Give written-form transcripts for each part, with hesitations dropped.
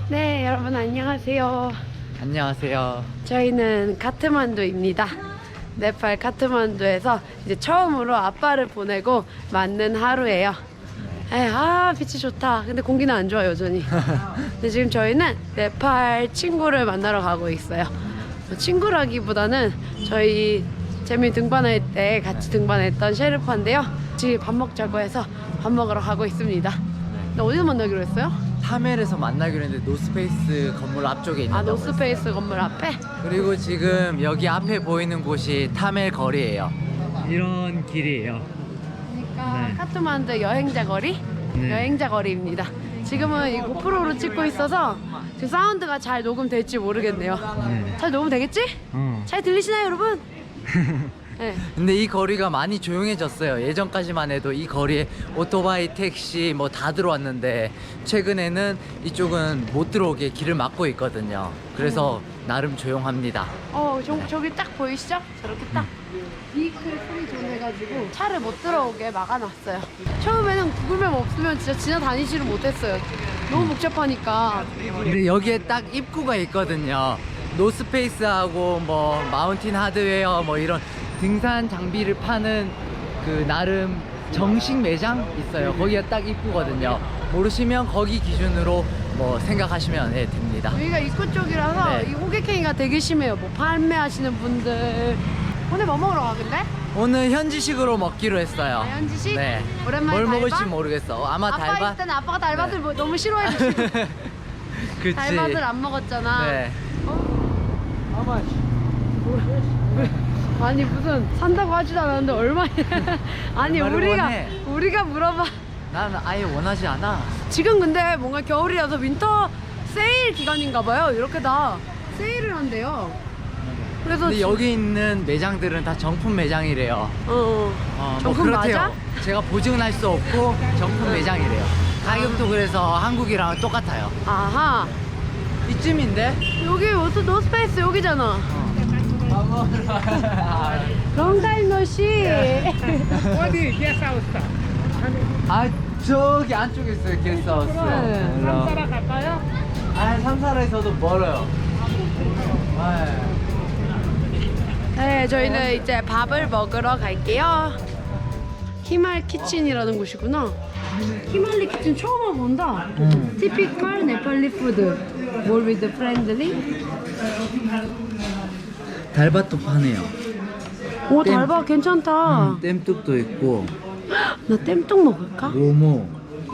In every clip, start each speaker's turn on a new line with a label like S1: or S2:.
S1: 네, 여러분 안녕하세요.
S2: 안녕하세요.
S1: 저희는 카트만두입니다. 네팔 카트만두에서 이제 처음으로 아빠를 보내고 맞는 하루예요. 빛이 좋다. 근데 공기는 안 좋아 여전히. 근데 지금 저희는 네팔 친구를 만나러 가고 있어요. 친구라기보다는 저희 재미 등반할 때 같이 등반했던 셰르파인데요. 지금 밥 먹자고 해서 밥 먹으러 가고 있습니다. 근데 어디서 만나기로 했어요?
S2: 타멜에서 만나기로 했는데 노스페이스 건물 앞쪽에 있는.
S1: 노스페이스 건물 앞에?
S2: 그리고 지금 여기 앞에 보이는 곳이 타멜 거리예요. 이런 길이에요.
S1: 그러니까
S2: 네.
S1: 카트만두 여행자 거리?
S2: 네.
S1: 여행자 거리입니다. 지금은 이 고프로로 찍고 있어서 지금 사운드가 잘 녹음될지 모르겠네요.
S2: 네.
S1: 잘 녹음되겠지? 잘 들리시나요 여러분? 네.
S2: 근데 이 거리가 많이 조용해졌어요. 예전까지만 해도 이 거리에 오토바이, 택시 뭐 다 들어왔는데 최근에는 이쪽은 못 들어오게 길을 막고 있거든요. 그래서 나름 조용합니다.
S1: 저기 딱 보이시죠? 저렇게 딱 비클 프리 존 해가지고 차를 못 들어오게 막아놨어요. 처음에는 구글맵 없으면 진짜 지나다니지를 못했어요. 너무 복잡하니까.
S2: 근데 여기에 딱 입구가 있거든요. 노스페이스하고 뭐 마운틴 하드웨어 뭐 이런 등산 장비를 파는 그 나름 정식 매장 있어요. 거기가 딱 입구거든요. 모르시면 거기 기준으로 뭐 생각하시면 됩니다.
S1: 여기가 입구 쪽이라서
S2: 네.
S1: 이 호객행위가 되게 심해요. 뭐 판매하시는 분들. 오늘 뭐 먹으러 가 근데?
S2: 오늘 현지식으로 먹기로 했어요.
S1: 현지식?
S2: 네.
S1: 오랜만에
S2: 뭘
S1: 달바?
S2: 먹을지 모르겠어. 아마
S1: 아빠
S2: 달바.
S1: 있을 때는 아빠가 달밭을
S2: 네.
S1: 너무 싫어해가지고
S2: 그치.
S1: 달밭을 안 먹었잖아.
S2: 네.
S1: 아니 무슨 산다고 하지도 않았는데 얼마냐? 아니
S2: 얼마를 원해?
S1: 우리가 물어봐.
S2: 난 아예 원하지 않아.
S1: 지금 근데 뭔가 겨울이라서 윈터 세일 기간인가봐요. 이렇게 다 세일을 한대요. 그래서
S2: 근데 여기 있는 매장들은 다 정품 매장이래요.
S1: 뭐 정품
S2: 그렇대요.
S1: 맞아?
S2: 제가 보증은 할 수 없고 정품 매장이래요. 가격도 그래서 한국이랑 똑같아요.
S1: 아하.
S2: 이쯤인데?
S1: 여기 노스페이스 여기잖아. 롱타임 노시.
S3: 어디 게스트하우스
S2: 아 저기 안쪽에 있어요 게스트하우스.
S1: 네.
S3: 삼사라 갈까요?
S2: 아 삼사라에서도 멀어요.
S1: 네, 저희는 이제 밥을 먹으러 갈게요. 히말 키친이라는 곳이구나. 히말리 키친 처음 와본다. 티피컬 네팔리 푸드. 뭘 with friendly?
S2: 달밭도 파네요.
S1: 오,
S2: 땜.
S1: 달바 괜찮다.
S2: 땜뚝도 있고
S1: 나 땜떡 먹을까?
S2: 모모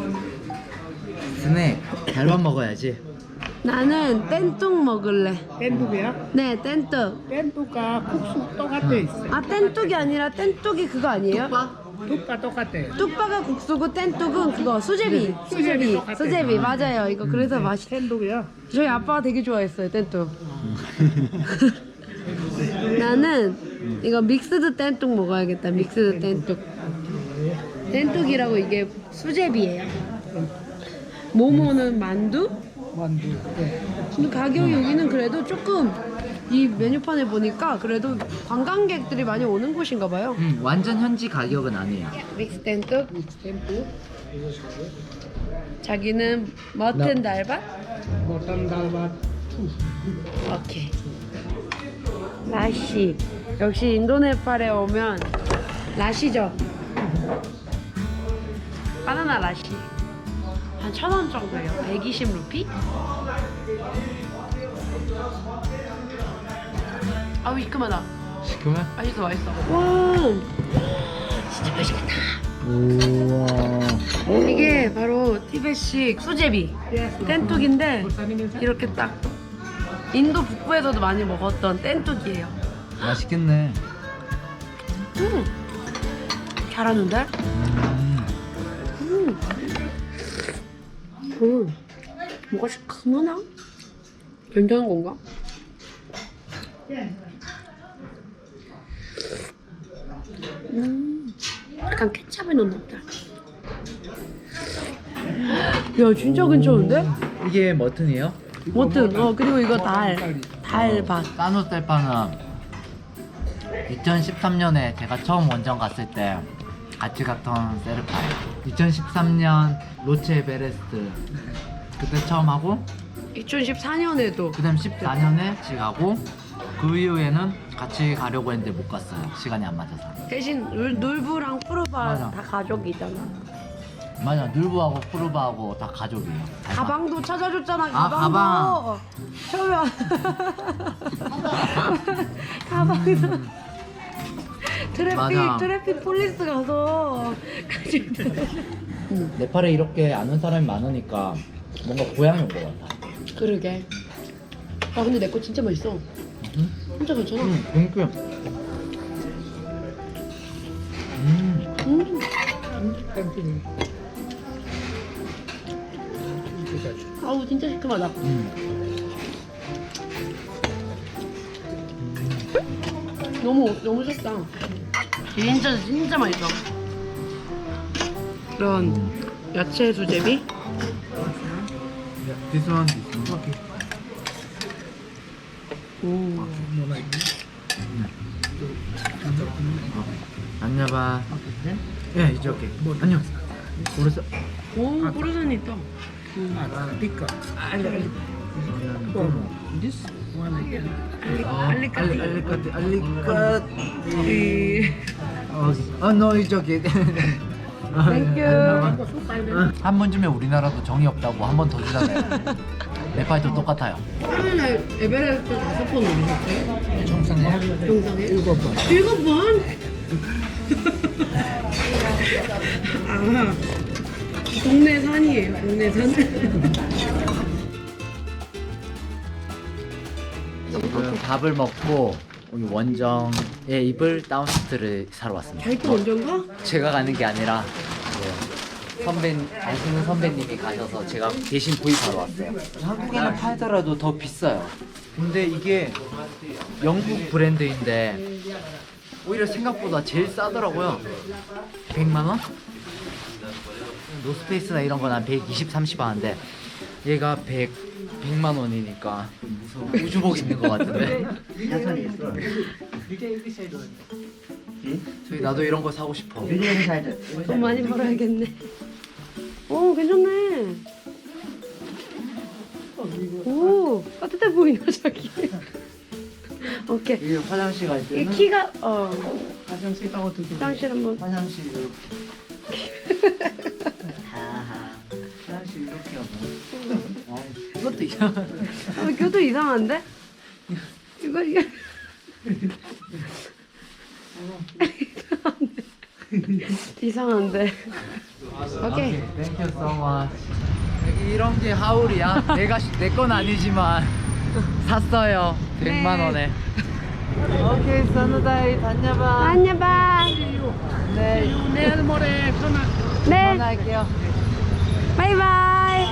S2: 스낵. 달밭 먹어야지.
S1: 나는 뗀뚝 먹을래.
S3: 땐뚝이야?
S1: 네, 뗀뚝.
S3: 땐뚝과 국수 똑같아 있어.
S1: 뗀뚝이 아니라 뗀뚝이 그거 아니에요?
S3: 뚝과 똑같아.
S1: 뚝바가 국수고 뗀뚝은 그거 수제비.
S3: 수제비 똑같아.
S1: 수제비 맞아요. 이거 그래서 맛있.
S3: 땐뚝이야?
S1: 저희 아빠가 되게 좋아했어요 뗀뚝. 나는 이거 믹스드 뗀뚝 먹어야겠다. 믹스드 뗀뚝. 뗀뚝이라고 이게 수제비예요. 모모는 만두?
S3: 만두. 네.
S1: 근데 가격이 여기는 그래도 조금 이 메뉴판에 보니까 그래도 관광객들이 많이 오는 곳인가 봐요.
S2: 완전 현지 가격은 아니에요.
S1: 믹스 뗀뚝.
S3: 땐뚝.
S1: 자기는 머튼 달밭?
S3: 모탄 달밭.
S1: 오케이. 라시. 역시 인도네팔에 오면 라시죠. 바나나 라시. 한 1,000원 정도예요. 120루피? 아우 이큼하다.
S2: 시큼해?
S1: 맛있어 맛있어. 와 진짜 맛있겠다.
S2: 우와.
S1: 이게 바로 티벳식 수제비 뗀뚝인데 이렇게 딱 인도 북부에서도 많이 먹었던 뗀뚝이에요.
S2: 맛있겠네.
S1: 잘하는데? 뭐가 시큼하나? 괜찮은 건가? 약간 케찹을 넣나 보다. 야 진짜 괜찮은데?
S2: 이게 머튼이에요?
S1: 뭐든 그리고 이거 달밭.
S2: 따노 텔파는 2013년에 제가 처음 원정 갔을 때 같이 갔던 세르파예요. 2013년 로체 베레스트 그때 처음 하고
S1: 2014년에도
S2: 그 다음 14년에 같이 가고 그 이후에는 같이 가려고 했는데 못 갔어요. 시간이 안 맞아서.
S1: 대신 놀부랑 푸르바
S2: 맞아.
S1: 다 가족이잖아.
S2: 맞아, 늘부하고 푸르바하고 다 가족이에요.
S1: 가방도 찾아줬잖아.
S2: 아,
S1: 가방도. 처음에 가방도.
S2: 맞아.
S1: 트래픽 폴리스 가서
S2: 네팔에 이렇게 아는 사람이 많으니까 뭔가 고향이 온 것 같아.
S1: 그러게. 아 근데 내 거 진짜 맛있어. 진짜 괜찮아.
S2: 땡큐.
S3: Continue.
S1: 아우 진짜 시큼하다. 너무 좋다. 진짜 맛있어. 이런 야채 수제비.
S2: This one.
S3: Okay.
S1: 오.
S3: No like this.
S2: 안녕봐. 예, 이제 오케이. 안녕. 그래서
S1: 오, 고르산이 있다.
S3: Tikka. This one like
S1: 알리까티.
S2: 알리컷.
S1: 이.
S2: no, it's okay.
S1: 땡큐.
S2: 한 번쯤에 우리나라도 정이 없다고 한 번 더 주잖아요. 네팔도 똑같아요.
S1: 처음에 에베레스트 5번 오르셨어요?
S3: 정상에
S1: 정상에?
S3: 7번.
S1: 7번? 아, 동네 산이에요, 동네 산.
S2: 지금 밥을 먹고 여기 원정에 입을 다운스트를 사러 왔습니다.
S1: 자기 거 원정가?
S2: 제가 가는 게 아니라 아시는 선배님이 가셔서 제가 대신 구입하러 왔어요. 한국에는 팔더라도 더 비싸요. 근데 이게 영국 브랜드인데 오히려 생각보다 제일 싸더라고요. 100만 원? 노스페이스나 이런 건 한 120, 30 하는데 얘가 100만 원이니까 우주복 입는 것 같은데. 저희 나도 이런 거 사고 싶어.
S1: 돈 많이 벌어야겠네. 오, 괜찮네. 오, 따뜻해 보인다, 자기. 오케이.
S2: 이게 화장실 갈
S1: 이
S2: 때는
S1: 키가,
S3: 화장실 가고 두고.
S1: 화장실 한번.
S2: 화장실 이렇게. 화장실 이렇게 하고. 이것도 이상하다.
S1: 아, 이것도 이상한데? 이게. 이상한데. 오케이.
S2: Thank you so much. 여기 이런 게 하울이야. 내 건 아니지만 샀어요. 100만 원에. 오케이, 선우다이 다녀봐.
S1: 안녕 봐.
S2: 네,
S3: 내일 모레 전화.
S1: 네.
S2: 전화할게요.
S1: 바이바이.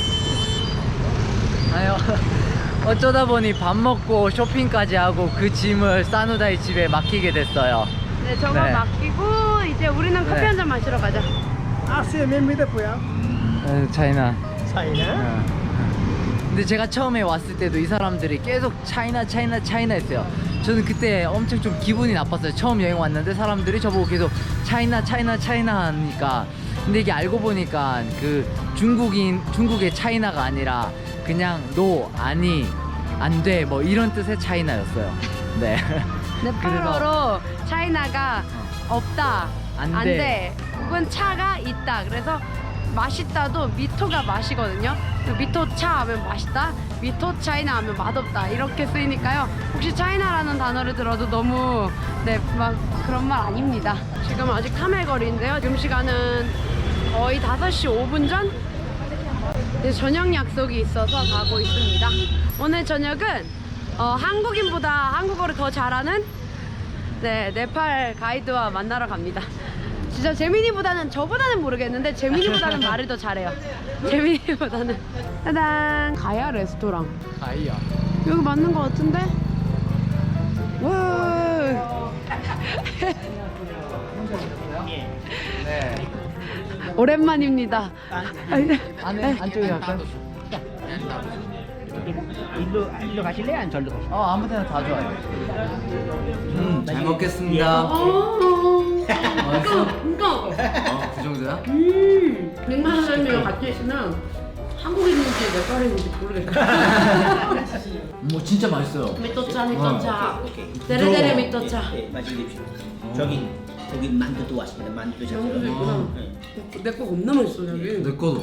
S2: 아유, 어쩌다 보니 밥 먹고 쇼핑까지 하고 그 짐을 사누다이 집에 맡기게 됐어요.
S1: 네, 저거
S2: 네.
S1: 맡기고 이제 우리는 커피
S2: 네.
S1: 한 잔 마시러 가자.
S3: 아시아 멤버들 뭐야?
S2: 차이나.
S3: 차이나?
S2: 근데 제가 처음에 왔을 때도 이 사람들이 계속 차이나 했어요. 저는 그때 엄청 좀 기분이 나빴어요. 처음 여행 왔는데 사람들이 저보고 계속 차이나 하니까. 근데 이게 알고 보니까 그 중국의 차이나가 아니라 그냥 아니, 안 돼, 뭐 이런 뜻의 차이나였어요. 네.
S1: 네팔어로 차이나가 없다,
S2: 안
S1: 안
S2: 돼.
S1: 돼. 혹은 차가 있다. 그래서 맛있다도 미토가 맛이거든요. 미토 차 하면 맛있다, 미토 차이나 하면 맛없다 이렇게 쓰이니까요. 혹시 차이나라는 단어를 들어도 너무 막 그런 말 아닙니다. 지금 아직 탐해거리인데요. 지금 시간은 거의 5시 5분 전? 이제 저녁 약속이 있어서 가고 있습니다. 오늘 저녁은 한국인보다 한국어를 더 잘하는 네팔 가이드와 만나러 갑니다. 진짜 재민이보다는, 저보다는 모르겠는데 재민이보다는 말을 더 잘해요. 재민이보다는. 짜잔, 가야 레스토랑.
S2: 가이야.
S1: 여기 맞는 것 같은데? 와.
S2: 네.
S1: 오랜만입니다.
S2: 안쪽에 갈까요?
S3: 일로 가실래? 안 절로 가실래?
S2: 아무 데나 다 좋아요. 잘 먹겠습니다. 맛있어?
S1: 이거.
S2: 그 정도야?
S1: 100만 원이랑 같이 있으면 한국인인지 네팔인지 모르겠어.
S2: 뭐 진짜 맛있어요.
S1: 미토차 미토차.
S4: 오케이.
S1: 데레데레 미토차.
S4: 예, 맛있게 드십시오. 저기 만두도 왔습니다. 만두도
S1: 영수도
S4: 셨어요.
S1: 있구나.
S4: 네.
S1: 내거 겁나 맛있어 여기.
S2: 내 거도.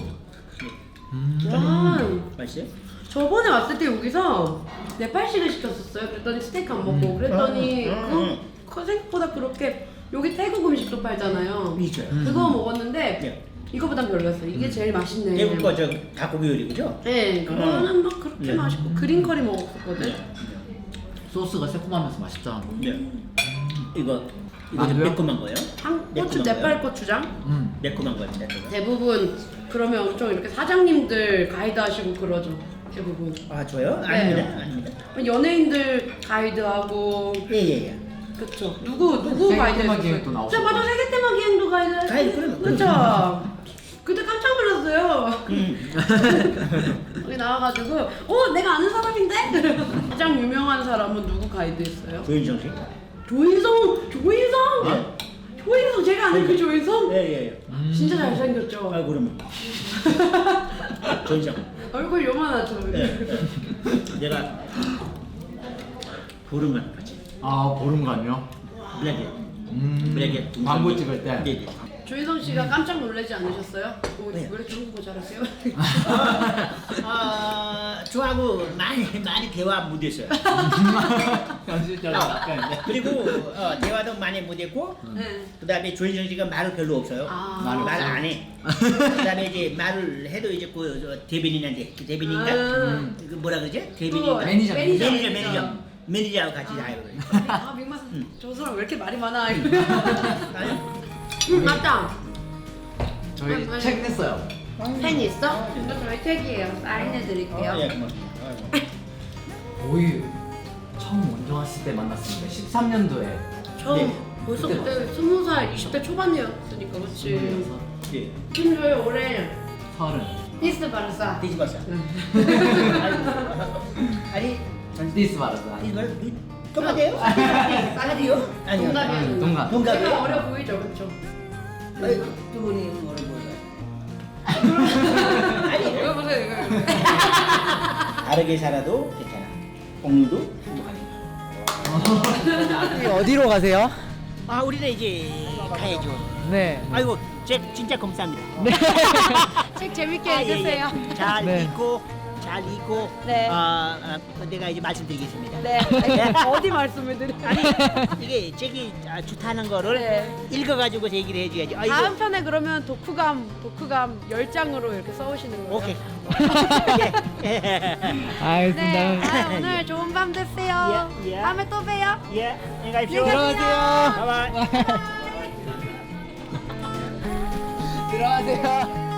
S1: 와.
S4: 맛있어요?
S1: 저번에 왔을 때 여기서 네팔식을 시켰었어요. 그랬더니 스테이크 안 먹고 그랬더니 그 생각보다 그렇게 여기 태국 음식도 팔잖아요.
S4: 있어요.
S1: 그거 먹었는데
S4: 네.
S1: 이거보단 별로였어요. 이게 제일 맛있네.
S4: 태국 거저 닭고기 요리 그죠?
S1: 네, 그거는 막 그렇게
S4: 네.
S1: 맛있고 그린 커리 먹었거든.
S2: 소스가 새콤하면서 맛있다.
S4: 네. 이거 좀
S2: 만두요?
S4: 매콤한 거예요?
S1: 고추 네팔 고추장.
S4: 매콤한 거입니다. 그거.
S1: 대부분 그러면 엄청 이렇게 사장님들 가이드 하시고 그러죠. 대부분.
S4: 아 저요?
S1: 네.
S4: 아닙니다. 아닙니다.
S1: 연예인들 가이드하고
S4: 예예예.
S1: 그쵸. 누구
S2: 세계
S1: 가이드
S2: 테마
S1: 했었어요?
S2: 기획도 나오고.
S1: 자, 맞아. 세계 테마 기행도 가이드.
S4: 가이드, 그럼.
S1: 그쵸. 그때 깜짝 놀랐어요. 여기 나와가지고, 내가 아는 사람인데? 가장 유명한 사람은 누구 가이드 했어요?
S4: 조인성 씨?
S1: 조인성! 조인성! 제가 아는 그 조인성?
S4: 예예예.
S1: 진짜 잘생겼죠?
S4: 아 그러면 조인성.
S1: 얼굴 요만하죠?
S4: 네. 내가 보름만 같이
S2: 아 보름간요?
S4: 블랙에 블랙에
S2: 광고 찍을 때.
S4: 네.
S1: 조인성 씨가 깜짝 놀라지 않으셨어요?
S4: 네.
S1: 왜 이렇게 한국어 잘하세요?
S4: 저하고 많이 대화 못했어요.
S2: 현실적으로 약간
S4: 그리고 대화도 많이 못했고
S1: 네.
S4: 그다음에 조인성 씨가 말을 별로 없어요.
S1: 아.
S4: 말 안 해. 그다음에 이제 말을 해도 이제 그 대변인한테 대변인가? 그 뭐라 그러지? 대변인가?
S2: 매니저.
S4: 매니저하고 같이 다 해요.
S1: 아 빅마스 저 사람 왜 이렇게 말이 많아? 맞다.
S2: 저희
S1: 맞아요.
S2: 책 냈어요.
S1: 펜 있어? 이거 저희 책이에요. 사인해 드릴게요.
S4: 예, 고마워.
S2: 거의 처음 먼저 왔을 때 만났습니다. 13년도에.
S1: 처음
S4: 네.
S1: 벌써
S2: 그때
S1: 그때 20살 20대 초반이었으니까 그렇지.
S4: 예.
S1: 김조의 올해
S2: 30.
S1: 니스 바르사.
S4: 뒤집었어. 아니,
S2: 디스 바르사.
S4: 이걸 똑같아요?
S1: 아니요?
S4: 아니요.
S1: 동갑이에요.
S2: 동갑.
S4: 동갑이에요?
S1: 제가 어려 보이죠, 그렇죠?
S4: 두 분이 뭐를 보여요?
S1: 이거 보세요, 이거.
S4: 다르게 살아도 괜찮아. 오늘도 행복하네.
S2: 어디로 가세요?
S4: 아, 우리는 이제 가야죠.
S2: 네.
S4: 아이고, 진짜 감사합니다.
S1: 책 재밌게
S4: 아, 예,
S1: 읽으세요.
S4: 예. 잘
S2: 네.
S4: 읽고
S1: 네.
S4: 내가 이제 말씀드리겠습니다.
S1: 네. 어디 말씀을 드려요?
S4: 아니 이게 책이 좋다는 거를
S1: 네.
S4: 읽어가지고 얘기를 해줘야지. 아이고.
S1: 다음 편에 그러면 독후감 10장으로 이렇게 써오시는 거예요?
S4: 오케이.
S1: 네. 오늘 좋은 밤 되세요.
S4: 예, 예.
S1: 다음에 또 봬요.
S4: 예, 안녕히 가십시오.
S1: 안녕히 가세요.
S4: 바이바이.
S2: 들어가세요.